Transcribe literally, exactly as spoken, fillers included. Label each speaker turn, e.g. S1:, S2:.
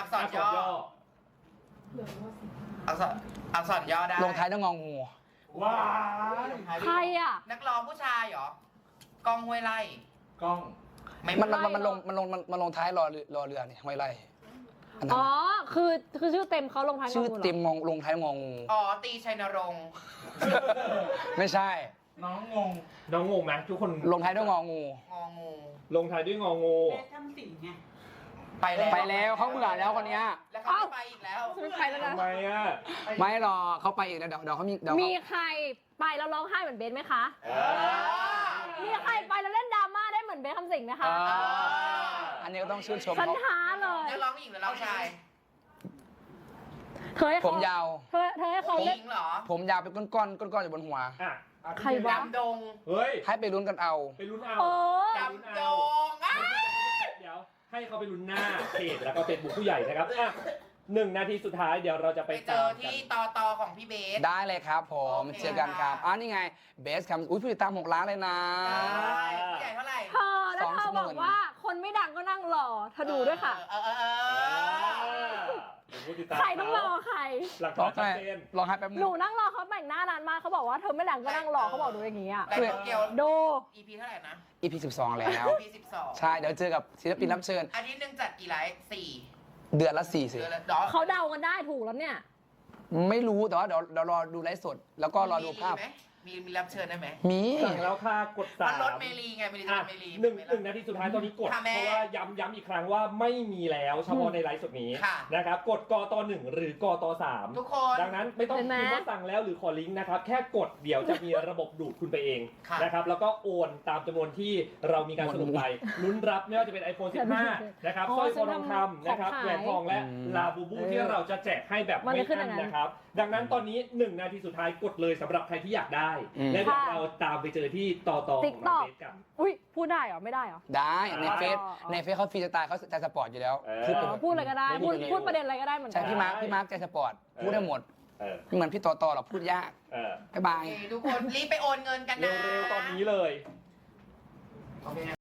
S1: อักษรย่ออักษรอักษรย่อได้
S2: ลงท้ายด้วยงองู
S3: ว้า
S4: ใครอ่ะ
S1: นักร้องผู้ชายเหรอกล้องห้วยไร่
S3: กล้อง
S2: มันมันมันลงมันลงมันลงท้ายรอรอเรือนี่ห้วยไร่
S4: อ๋อคือคือชื่อเต็มเขาลงท้ายงองู
S2: ชื่อเต็มงงลงท้ายงองู
S1: อ๋อตีชัยนรงค์
S2: ไม่ใช่
S3: น้องงงน้องงงไหมทุกคน
S2: ลงท้ายด้วยงองู
S1: งองู
S3: ลงท้ายด้วยงองู
S5: ทำสิ่งไง
S1: ไปแล้ว
S2: ไปแล้วเขาเบื่อแล้วคนนี้
S1: แล้วเขาไปอีกแล้ว
S4: ไม่ไปแล้วนะ
S3: ทำไมอ่ะ
S2: ไม่หรอเขาไปอีกแล้วเดี๋ยวเดี๋ยวเขามีเดี๋ยว
S4: มีใครไปแล้วร้องไห้เหมือนเบนไหมคะ มีใครไปแล้วเล่นดราม่าได้เหมือนเบนคำสิงไหมคะ
S2: อันนี้ก็ต้องชื่นชม
S4: ฉันท้าเลย
S1: นักร้องหญิงหรือร้องชาย
S4: เธอให้
S2: ผมยาว
S4: เธอเธอให้เขาเล่น
S1: เหรอ
S2: ผมยาวเป็นก้อนก้อนก้อนก้อนอยู่บนหัว
S4: ใครวะ
S1: ดำดง
S3: เฮ้ย
S2: ให้ไปลุ้นกันเอา
S3: ไปลุ้นเอา
S1: ดำดง
S3: เดี๋ยวให้เขาไปลุ้นหน้าเพจแล้วก็เฟซบุ๊กผู้ใหญ่นะครับอ่ะหนึ่งนาทีสุดท้ายเดี๋ยวเราจะไป
S1: เจอที่ตอตอของพี่เบส
S2: ได้เลยครับผมเจอกันครับอ๋อนี่ไงเบสครับอุ้ยผู้ติดตามหกล้านเลยนะ
S1: ผู้ใหญ่เท่าไหร่
S4: เธอแล้วเธอบอกว่าคนไม่ดังก็นั่งรอเธอดูด้วยค่ะใครต้องรอใคร
S3: หลักฐานชัดเจน
S2: รอให้แป๊บนึง
S4: หนูนั่งรอเขาแต่งหน้านานมากเขาบอกว่าเธอไม่ดังก็นั่งรอเขาบอกดูอย่างนี้อ่ะดู
S1: อี พี เท่าไหร่นะ
S2: อี พี สิบสองแล้ว
S1: อี พี สิบสอง
S2: ใช่เดี๋ยวเจอกับศิลปินรับเชิญ
S1: อาทิตย์หนึ่งจัดกี่ไลฟ์สี่
S2: เดือนละสี่สิ
S4: เขาเดากันได้ถูกแล้วเนี่ย
S2: ไม่รู้แต่ว่าเดี๋ยวเดี๋ยวรอดูไลฟ์สดแล้วก็รอดูภาพ
S1: มีมีรับเชิญได้ไหม
S2: มี
S3: สั่งแล้วค่ะกดสาม
S1: รถเมลีไงเมลีเมลี
S3: หนึ่งหนึ่งนาทีสุดท้ายตอนนี้กดเพราะว่าย้ำย้ำอีกครั้งว่าไม่มีแล้วเฉพาะในไลฟ์สดนี้นะครับกดกตหนึ่งหรือกตสาม
S1: ทุกคน
S3: ดังนั้นไม่ต้องพิมพ์ว่าสั่งแล้วหรือขอลิงก์นะครับแค่กดเดี๋ยวจะมีระบบดูดคุณไปเองนะครับแล้วก็โอนตามจำนวนที่เรามีการสรุปไปลุ้นรับไม่ว่าจะเป็น ไอโฟน สิบห้านะครับสร้อยคอทองคำนะครับแหวนทองและลาบูบูที่เราจะแจกให้แบบไม่อั้นนะครับดังนั้นตอนนี้หนึ่งนาทีสุดท้ายกดเลยสำหรับใครที่อยากได้และเราตามไปเจอที่ต่อต่อของน้องเบสกัน
S4: อุ้ยพูดได้เหรอไม่ได้เหรอ
S2: ได้ในเฟซในเฟซเขาฟรีสไตล์เขาใจสปอร์ตอยู่แล้ว
S4: พูดพูดอะไรก็ได้พูดพูดประเด็นอะไรก็ได้เหมือนกัน
S2: ใช่พี่มาร์คพี่มาร์คใจสปอร์ตพูดได้หมดไม่เหมือนพี่ต่อต่อหรอกพูดยากบ๊ายบาย
S1: ทุกคนรีบไปโอนเงินกันนะ
S3: เร็วๆตอนนี้เลย